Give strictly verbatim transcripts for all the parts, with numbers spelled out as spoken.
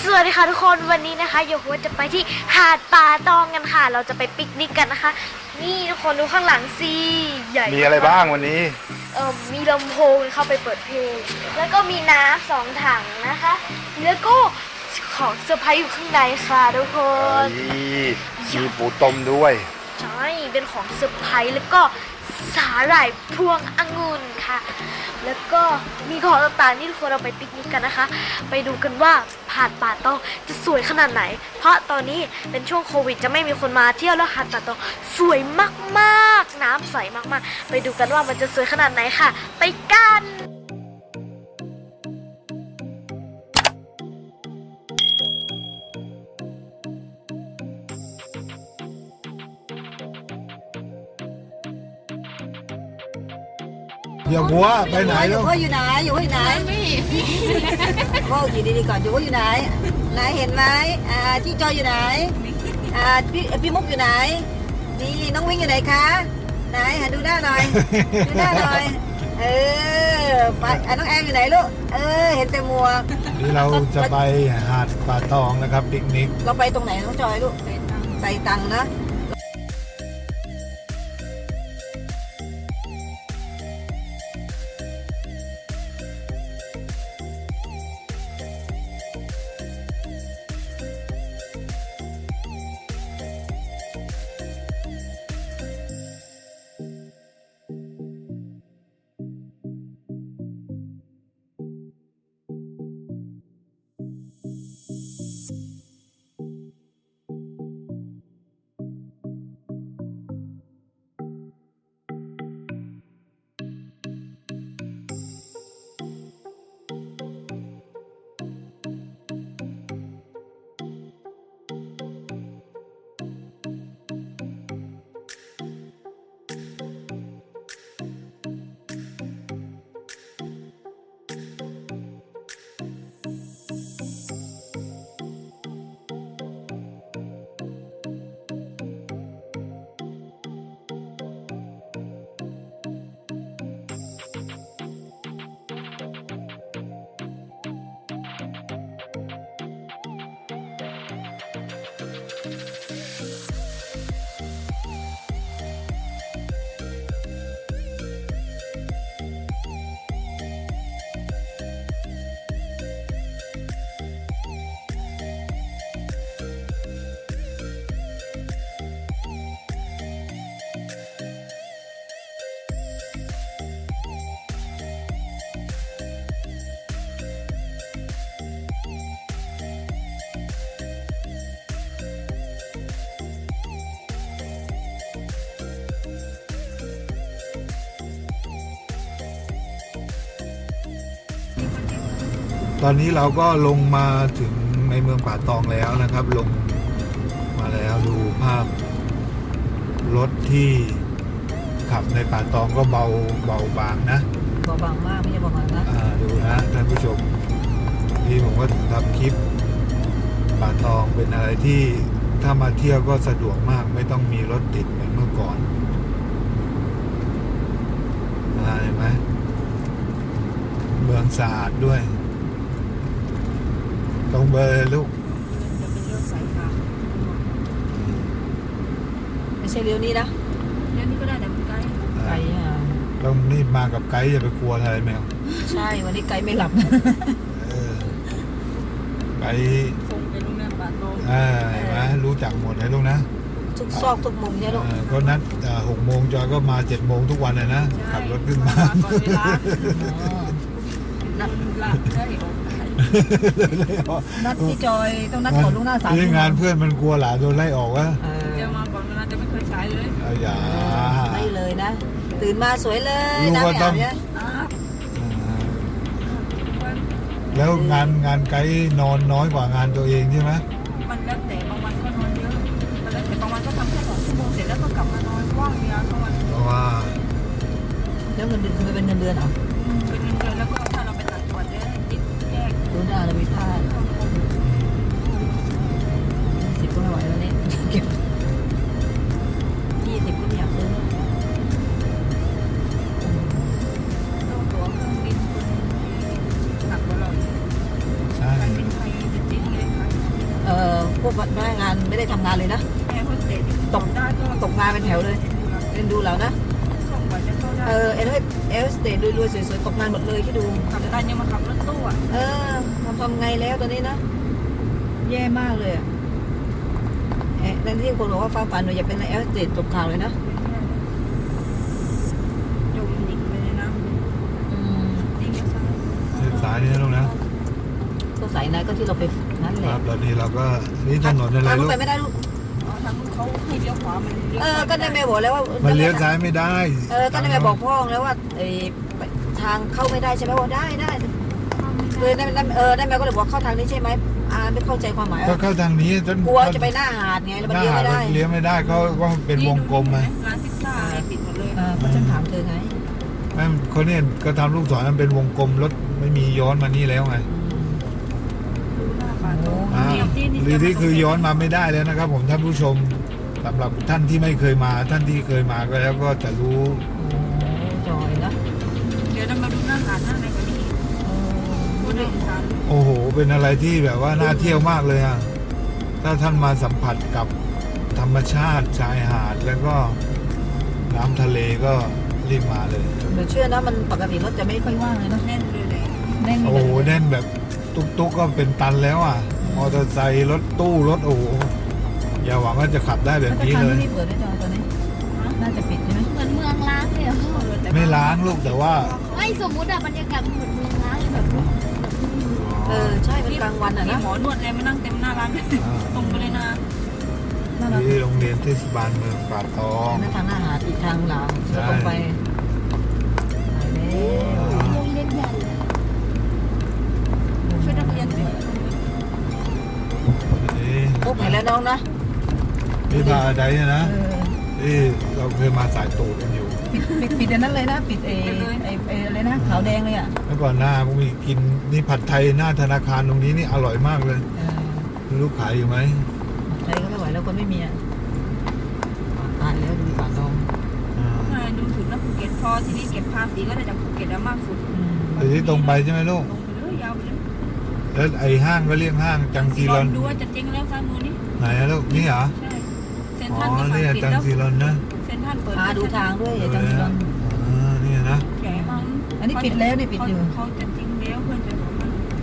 วัสดีค่ะทุกคนวันนี้นะคะโยโฮจะไปที่หาดป่าตองกันค่ะเราจะไปปิกนิกกันนะคะนี่ทุกคนดูข้างหลังสิใหญ่มีอะไรบ้างวันนี้เออมีลำโพงเข้าไปเปิดเพลงแล้วก็มีน้ำสองถังนะคะแล้วก็ของเซอร์ไพรส์อยู่ข้างในค่ะทุกคนมีปูต้มด้วยใช่เป็นของเซอร์ไพรส์แล้วก็สาหร่ายพวงองุ่นค่ะแล้วก็มีของต่างๆที่ทุกคนเราไปปิกนิกกันนะคะไปดูกันว่าหาดป่าตองจะสวยขนาดไหนเพราะตอนนี้เป็นช่วงโควิดจะไม่มีคนมาเที่ยวแล้วหาดป่าตองสวยมากๆน้ำใสมากๆไปดูกันว่ามันจะสวยขนาดไหนค่ะไปกันอย่าวัวไปไหนแล้วอยู่ว่าอยู่ไหนอยู่ว่าอยู่ไหนไม่ว่าอยู่ดีๆก่อนอยู่ว่าอยู่ไหนไหนเห็นไหมอ่าที่จอยอยู่ไหนอ่าพี่พี่มุกอยู่ไหนนี่น้องวิ่งอยู่ไหนคะไหนหาดูหน้าหน่อยดูหน้าหน่อยเออไปอ่ะน้องแอมอยู่ไหนลูกเออเห็นแต่หมวกนี่เราจะไปหาดป่าตองนะครับปิกนิกเราไปตรงไหนน้องจอยลูกใส่ตังค์นะตอนนี้เราก็ลงมาถึงในเมืองป่าตองแล้วนะครับลงมาแล้วดูภาพรถที่ขับในป่าตองก็เบาเบาบางนะเบาบางมากไม่ใช่เบาบางนะอ่าดูนะท่านผู้ชมที่ผมก็ทำคลิปป่าตองเป็นอะไรที่ถ้ามาเที่ยวก็สะดวกมากไม่ต้องมีรถติดเหมือนเมื่อก่อนเห็นไหมเมืองสะอาดด้วยตรงเบอร์ลูกไม่ใช่เลี้ยวนี้นะเลี้ยวนี้ก็ได้แต่มันไกลไกลอ่ะต้องนี่มากับไกด์อย่าไปกลัวอะไรแมวใช่วันนี้ไกด์ไม่หลับไกด์คงเป็นลูกน้ำป่าตองอ่าเห็นไหมรู้จักหมดเลยลูกนะทุกซอกทุกมุมเนี่ยลูกก็นัดหกโมงจอยก็มาเจ็ดโมงทุกวันเลยนะขับรถขึ้นมาก่อนเวลานัดละได้นัดที่จอยต้องนัดก่อนล่วงหน้าสามที่งานเพื่อนมันกลัวหลานโดนไล่ออกวะเดี๋ยวมาก่อนเวลาจะไม่เคยใช้เลยเอาอย่าไม่เลยนะตื่นมาสวยเลยนะเนี่ยแล้วงานงานไกด์นอนน้อยกว่างานตัวเองใช่ไหมมันแล้วแต่บางวันก็นอนเยอะมันแล้วแต่บางวันก็ทำแค่สองชั่วโมงเสร็จแล้วก็กลับมานอนว่างเวลาทั้งวันเพราะว่าแล้วเงินเดือนมันเป็นเงินเดือนเหรอเป็นเงินเดือนแล้วก็ถ้าเราไปตัดส่วนเนี่ยติดแยกดูหน้าเราไม่พลาดสิบก็ไม่ไหวแล้วเนี่ยเก็บยี่สิบก็ไม่อยากซื้อต้องตัวเครื่องบินหนักกว่าเราใช่การบินไทยจะจริงเลยค่ะพวกพนักงานไม่ได้ทำงานเลยนะแม่คนเตะตกตกงานเป็นแถวเลยเรียนดูเรานะส่งกว่าจะเข้าได้เออเอลเอลสเตทรวยๆสวยๆตกงานหมดเลยที่ดูขับได้ยังมาขับรถตู้อ่ะเออทำทำไงแล้วตอนนี้นะ แย่มากเลยอะเอ๊ะนั่นที่คนบอกว่าฟ้าฝันหนูอยากเป็นเอลสเตทตกข่าวเลยนะจมดิ่งไปในน้อืมำดิ่งซ้ายเส้นสายนี่นะลูกนะก็สายไหนก็ที่เราไปนั่นแหคละรับตอนนี้เราก็นี่ถนนอะไรทางลูนู้นกไปไม่ได้ลูกอ๋อทางนู้นเขาให้เลี้ยวขวามันเลี้ยวเออก็ได้แม่บอกแล้วว่ามันเลี้ยวซ้ายไม่ได้เออก็ได้แม่บอกพ่อแล้วว่าไอ้ทางเข้าไม่ได้ใช่ไหมว่าได้ได้เลยได้ได้เออได้แม่ก็เลยบอกเข้าทางนี้ใช่ไหมอ่าไม่เข้าใจความหมายก็เข้าทางนี้จนกลัวจะไปหน้าหาดไงแล้วหมันน้าเลี้ยวหาดไม่ได้เลี้ยวไม่ได้เขาก็เป็นวงกลมไงร้านพิซซ่าอะไรปิดหมดเลยเออเพราะฉันถามเธอไงนั่นเขาเนี่ยก็ทำลูกศรมันเป็นวงกลมรถไม่มีย้อนมานี่แล้วไงดูหน้าป่าโตอ่าหรือที่คือย้อนมาไม่ได้แล้วนะครับ ผมท่านผู้ชมสำหรับท่านที่ไม่เคยมา ท่านที่เคยมาก็แล้วก็จะรู้โอ้จอยนะเดี๋ยวเรามาดูหน้าหาดหน้าไหนกว่านี้ดูในอีสานโอ้โห เป็นอะไรที่แบบว่าน่าเที่ยวมากเลยอ่ะถ้าท่านมาสัมผัสกับธรรมชาติชายหาดแล้วก็น้ำทะเลก็รีบมาเลยหนูเชื่อนะมันปกติรถจะไม่ค่อยว่างเลยนะแน่นเลยเลยแน่นโอ้โหแน่นแบบตุ๊กตุ๊กก็เป็นตันแล้วอ่ะมอเตอร์ไซค์รถตู้รถโอ้โหอย่าหวังว่าจะขับได้แบบนี้เลยนี่เปิดได้จอตอนนี้น่าจะปิดใช่ไหมเหมือนเมืองล้างเลยอะไม่ล้างลูกแต่ว่าไม่สมมุติอะบรรยากาศมันเหมือนเมืองล้างเลยแบบเออใช่เป็นกลางวันอ่ะมีนะหมอนวดเลยมานั่งเต็มหน้าร้านตรงไปเลยนะน่ารักที่โรงเรียนเทศบาลเมืองป่าตองนั่นทางหน้าหาดอีกทางหลังแล้วตรงไปไปแล้วโรงเรียนใหญ่เลยช่วยนักเรียนสินี่พบเห็นแล้วน้องนะนี่พาไดเนี่ยนะเออนี่เราเคยมาสายตูดกันอยู่ปิดปิดปิดอันนั้นเลยนะปิดเอไอไออะไรนะขาวแดงเลยอ่ะเมื่อก่อนหน้าพวกมีกินนี่ผัดไทยหน้าธนาคารตรงนี้นี่อร่อยมากเลยเออไม่รู้ขายอยู่ไหมใช้ก็ไม่ไหวแล้วคนไม่มีอ่ะตายแล้วดูป่าตองอ่าใช่ดูสุดนะภูเก็ตพอทีนี้เก็บภาษีก็ได้จากภูเก็ตแล้วมากสุดอืมแต่ที่ตรงไปใช่ไหมลูกลงไปเลยยาวไปเลยแล้วไอ้ห้างก็เรียกห้างจังซีรอนดูว่าจะเจ๊งแล้วซ้ายมือนี่ไหนอะลูกนี่เหรอใช่เซ็นอ๋ทรัอลก็สั่งนี่อะปิดจังแล้วซีรอนนะเซ็นทรัลเปิดพาดูทางด้วยอย่าจังรอนอ่านี่นะแฉมั้งอันนี้ปิดแล้วนี่ปิดอยู่เขาจะจริงแล้วเพื่อนจะบอกมัน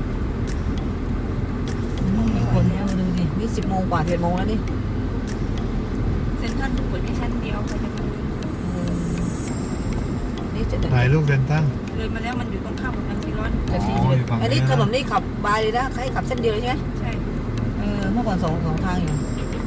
มีคนแล้วดูดินี่สิบโมงกว่าเจ็ดโมงแล้วนี่เซ็นทรัลเปิดแค่ชั้นเดียวใครจะมาดูเออนี่จะไหนลูกเซนตั้งเลยมาแล้วมันอยู่ตรงข้ามกับทางซีรอนจะสี่สิบเอ็ดอันนี้ถนนนี่ขับบายเลยนะใครขับเส้นเดียวเลยใช่ไหมใช่เออเมื่อก่อนสองสองทางอยู่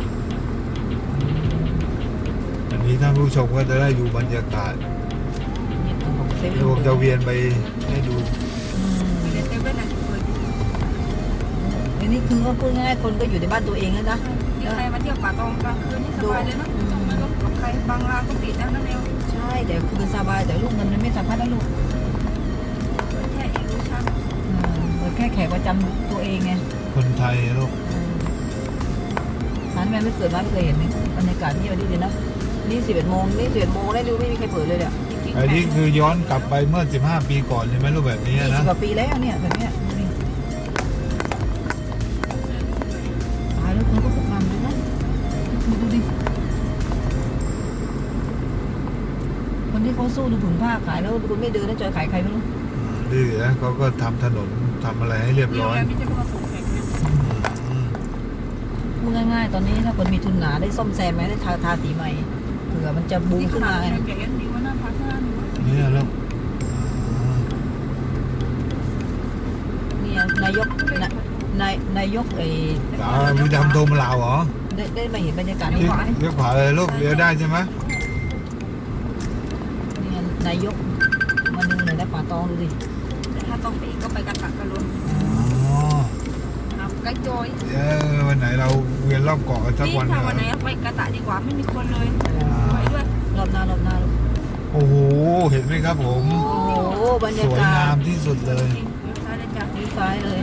อันนี้ท่านผู้ชมก็จะได้ดูบรรยากาศนี่ทางของเซเว่นรวมจะเวียนไปให้ดูอืมมีเซเว่นอ่ะเปิดอยู่อันนี้คือก็พูดง่ายๆคนก็อยู่ในบ้านตัวเองแล้วนะนี่ใครมาเที่ยวป่าตองกลางคืนนี่สบายเลยเนาะต้องไม่ต้องกับใครบางร้านก็ปิดแล้วนะเร็วใช่แต่คือสบายแต่ลูกเงินมันไม่สามารถนะลูกแค่อีลูชั่นเออเหมือนแค่แขกประจำตัวเองไงคนไทยลูกร้านแม่ไม่เกิดมาไม่เคยเห็นบรรยากาศที่วันนี้เลยนะนี่สิบเอ็ดโมงนี่สิบเอ็ดโมงแล้วดูไม่มีใครเปิดเลยเนี่ยจริงๆไอ้นี่คือย้อนกลับไปเมื่อสิบห้าปีก่อนใช่ไหมรูปแบบนี้ยี่สินะบกว่าปีแล้วเนี่ยแบบเนี้ยดูดิตายแล้วคนก็ตกงานเลยนะดูดิคนที่เขาสู้ดูผืนผ้าขายแล้วคุณไม่เดินนะจอยขายใครไม่รู้ดื้อนะเขาก็ทำถนนทำอะไรให้เรียบนี่โรร้งอยแรมไม่ใช่เพื่อส่งแขกนะอืมพูดง่ายๆตอนนี้ถ้าคนมีทุนหนาได้ซ่อมแซมไหมได้ทาทาสีใหม่เผื่อมันจะบูมนี่ขขึ้นนามาดไงแกยังดีว่าหน้าพักหน้าหนูนี่ลูกอ่าเนี่ยนายกนายนายนายกไอ้สาวมีดำโทมลาวเหรอได้ได้มาเห็นบรรยากาศเลี้นี้ยวไหมเลี้ยวขวาเลยลูกเลี้ยวได้ใช่ไหมเนี่ยนายกมาดูหน่อยนะป่าตองดูดิแต่ถ้าต้องไปอีกก็ไปกันตักกันลุ้นอ๋อครับใกล้จอยเดี๋ยววันไหนเราเวียนรอบเกาะกันสักนี่วันหถ้านึ่งวันไหนไปกระตะดีกว่าไม่มีคนเลยไปด้วยรอบหน้ารอบหน้าโอ้โหเห็นไหมครับผมโอ้โหบรรสยาวยกางาศมที่สุดเลยจริงเดี๋ยวซ้ายเลยจ้ะดีซ้ายเลย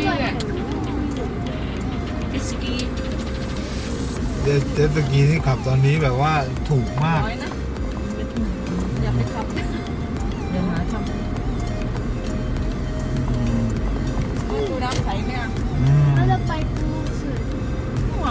ดิสกีเจ็ตเจ็ตสกีที่ขับตอนนี้แบบว่าถูกมากน้อยนะอยากไปขับเดี๋ยวหาทดูน้ำใสไหมอ่ะอืมแล้วเราไปปูเสือโอ้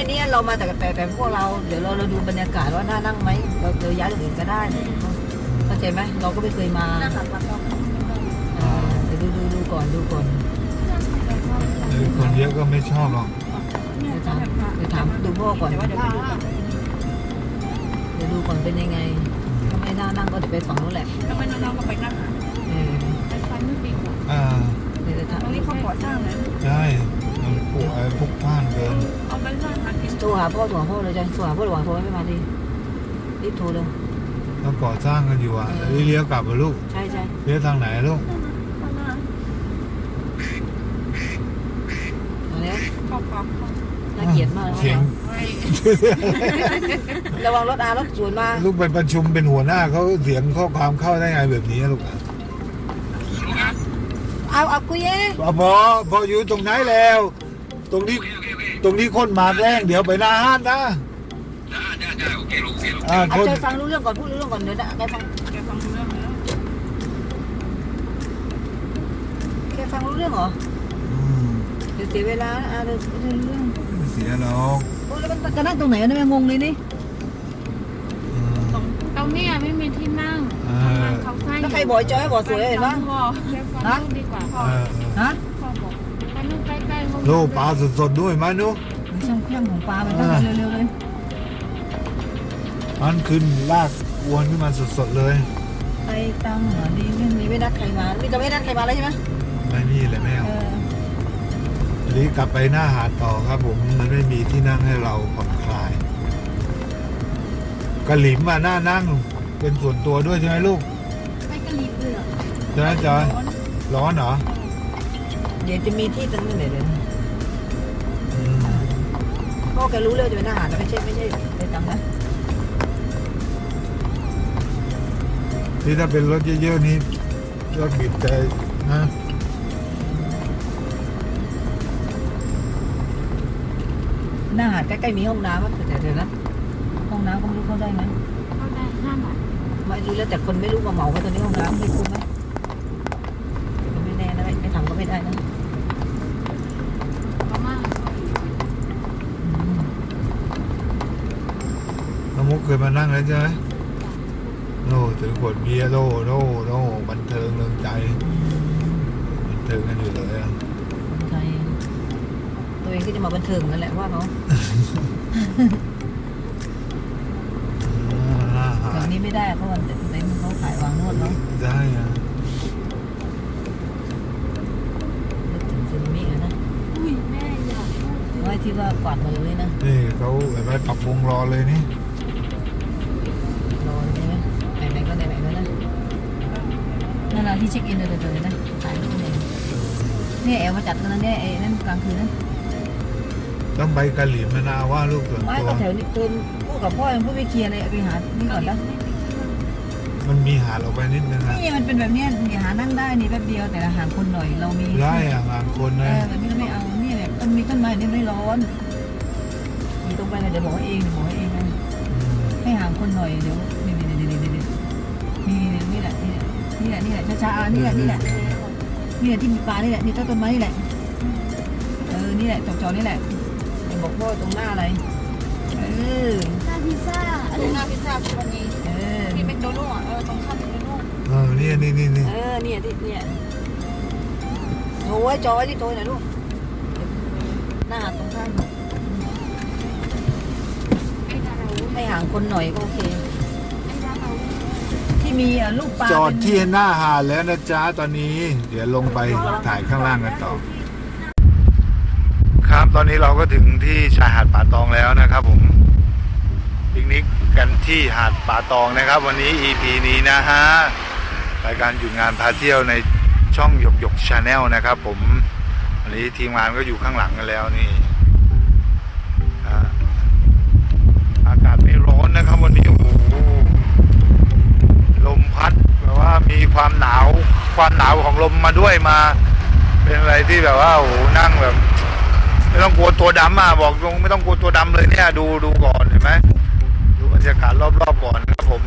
เนี้ยเรามาแต่แต่แต่พวกเราเดี๋ยวเราเราดูบรรยากาศว่าน่านั่งไหมเราเราย้ายตรงอื่นก็ได้เข้าใจไหมเราก็ไม่เคยมาหน้าหาดป่าตองอ่าเดี๋ยวดูดูดูก่อนดูก่อนเออคนเยอะก็ไม่ชอบหรอกเดี๋ยวถามเดี๋ยวถามดูพ่อก่อนแต่ว่าเดี๋ยวไปดูก่อนเดี๋ยวดูก่อนเป็นยังไงถ้าไม่น่านั่งก็เดี๋ยวไปฝั่งนู้นแหละแล้วไม่น้องๆก็ไปนั่งเออไปฟันไม่ปีกอ่าเดี๋ยวจะถามตรงนี้เขาก่อสร้างนะได้มันปลูกไอ้พวกบ้านเกินเอาไปสร้างหากินโทรหาพ่อโทรหาพ่อเลยจ้ะโทรหาพ่อระหว่างโทรไม่มาดิรีบโทรเลยแล้วก่อสร้างกันอยู่อ่ะแล้วเลี้ยวกลับมาลูกใช่ใช่เลี้ยวทางไหนลูกมาแล้วขอบคุณน่าเกลียดมากเสียงระวังรถอารถสวนมาลูกไปประชุมเป็นหัวหน้าเขาเสียงข้อความเข้าได้ไงแบบนี้ลูกเอาเอาคุยเอ้พอพออยู่ตรงไหนแล้ว ตรงนี้ตรงนี้คนมาแรงเดี๋ยวไปหน้าห้านนะอ่าเอาคนใจฟังรู้เรื่องก่อนพูดรู้เรื่องก่อนเดี๋ยวนะแกฟังแกฟังรู้เรื่องแล้วแกฟังรู้เรื่องเหรออืมเดี๋ยวเสียเวลาอ่ะเดี๋ยวเรื่องเรื่องไม่เสียหรอกโอ้แล้วมันจะนั่งตรงไหนวะเนี่ยงงเลยนี่อืมตรงเนี้ยไม่มีที่นั่งเออเขาให้แล้วใครบอกจอยบอกสวยเห็นปะพ่อแค่ฟังลูกดีกว่าเออฮะพ่อบอกไปนู่นใกล้ๆห้องโลปลาสดๆด้วยมั้ยนุ๊กมีช่างเครื่องของปลามันต้องเร็วๆเลยมันขึ้นลากอวนขึ้นมาสดๆเลยไปตังเหรอดีไม่มีไม่นัดใครมามีจะไม่นัดใครมาแล้วใช่ไหมไม่นี่เลยแม่เออทีนี้กลับไปหน้าหาดต่อครับผมมันไม่มีที่นั่งให้เราผ่อนคลายกระหลิมอ่ะหน้านั่งเป็นส่วนตัวด้วยใช่ไหมลูกไม่กระลิบเลยเหรอใช่ไหมจอยร้อนเหรอเดี๋ยวจะมีที่ตรงนี้ไหนเลยอืมพ่อแกรู้เลยจะเป็นอาหารแต่ไม่ใช่ไม่ใช่ไปตังนะที่ถ้าเป็นรถเยอะๆนี่รถบีบแต่นะหน้าหาดใกล้ๆมีห้องน้ำมั้ยแต่เดี๋ยวนะห้องน้ำก็ไม่รู้เข้าได้ไหมเข้าได้ห้าบาทไม่รู้แล้วแต่คนไม่รู้มาเหมาว่าตัวนี้ห้องน้ำไม่คุ้มไหมก็ไม่แน่นะไม่ไม่ทำก็ไม่ได้นะประมาณอืมน้องมุกเคยมานั่งแล้วใช่ไหมโน่ถือขวดเบียร์โน่โน่โน่บันเทิงเริงใจบันเทิงกันอยู่เลยอะคนไทยตัวเองก็จะมาบันเทิงนั่นแหละว่าเขาอ่าแบบนี้ไม่ได้เพราะว่าในเขาขายวางนวดเนาะได้อะนึกถึงซึนามิอะนะอุ้ยแม่อยากพูดไว้ที่ว่ากวาดมือเลยนะนี่เขาเห็นไหมปรับวงรอเลยนี่รอใช่ไหมไหนๆก็ไหนๆแล้วนะนั่นน่ะที่เช็คอินเลยเลยนะขายที่ไหนเนี่ยแอลมาจัดกันนะเนี่ยไอ้นั่นกลางคืนนะต้องไปกะหรี่มะนาวว่าลูกส่วนไม่ตัวก็แถวนี้คืนพูดกับพ่อยังพูดไม่เคลียร์เลยเอาไปหานี่ก่อนนะมันมีหาดออกไปนิดนึงอะนี่มันเป็นแบบเนี้ยเดี๋ยวหานั่งได้นี่แป๊บเดียวแต่ละหาคนหน่อยเรามีได้อะงานคนเอนะอแบบนี้เราไม่เอาเนี่ยแบบต้นมีต้นไม้เนี่ยไม่ร้อนมีตรงไปเลยเดี๋ยวบอกว่าเองเดี๋ยวบอกว่าเองนะ ให้ห่างคนหน่อยเดี๋ยวนี่นี่นี่นี่นี่นี่นี่นี่แหละนี่แหละนี่แหละช้าๆนี่แหละนี่แหละนี่แหละที่มีปลานี่แหละนี่ต้นต้นไม้นี่แหละเออนี่แหละจอๆนี่แหละบอกพ่อตรงหน้าอะไรเออหน้าพิซซ่าอะไรหน้าพิซซ่าที่วันนี้เออที่แมคโดนัลด์อ่ะเออตรงข้ามแมคโดนัลด์เออนี่นี่นี่นี่เออเนี่ยที่เนี่ยโทรไว้จอไว้ที่โทรหน่อยลูกหน้าตรงข้ามไอ้ดาราวุ้นให้ห่างคนหน่อยก็โอเคไอ้ดาราวุ้นที่มีลูกปลาจอดที่หน้าหาดแล้วนะจ๊ะตอนนี้ เดี๋ยวลงไปถ่ายข้างล่างกันต่อ ครับตอนนี้เราก็ถึงที่ชายหาดป่าตองแล้วนะครับผมปิกนิกกันที่หาดป่าตองนะครับ วันนี้ อี พี นี้นะฮะรายการหยุดงานพาเที่ยวในช่องหยกหยกชาแนลนะครับผมวันนี้ทีมงานก็อยู่ข้างหลังกันแล้วนี่อ่าอากาศไม่ร้อนนะครับ วันนี้โอ้โหลมพัดแบบว่ามีความหนาวความหนาวของลมมาด้วยมา เป็นอะไรที่แบบว่าโอ้โหนั่งแบบ ไม่ต้องกลัวตัวดำอ่ะบอกตรงไม่ต้องกลัวตัวดำเลยเนี่ยดูดูก่อนเห็นไหมดูบรรยากาศรอบๆก่อนครับผม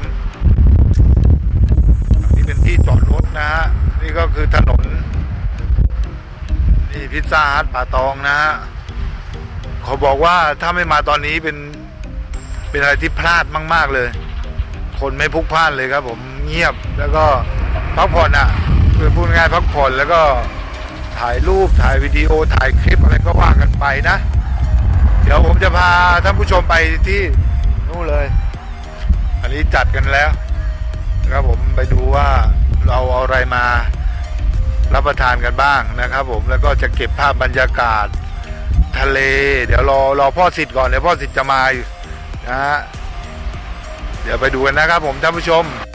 นี่เป็นที่จอดรถนะฮะนี่ก็คือถนนนี่พิซซ่าฮัทป่าตองนะฮะเขาบอกว่าถ้าไม่มาตอนนี้เป็นเป็นอะไรที่พลาดมากๆเลย คนไม่พลุกพล่านเลยครับผมเงียบแล้วก็พักผ่อนอ่ะคือพูดง่ายๆพักผ่อนแล้วก็ถ่ายรูปถ่ายวิดีโอถ่ายคลิปอะไรก็ว่ากันไปนะ เดี๋ยวผมจะพาท่านผู้ชมไปที่นู่นเลย อันนี้จัดกันแล้วนะครับผมไปดูว่าเราเอาอะไรมารับประทานกันบ้างนะครับผมแล้วก็จะเก็บภาพบรรยากาศทะเลเดี๋ยวรอรอพ่อสิทธิ์ก่อนเดี๋ยวพ่อสิทธิ์จะมาอยู่นะฮะเดี๋ยวไปดูกันนะครับผมท่านผู้ชม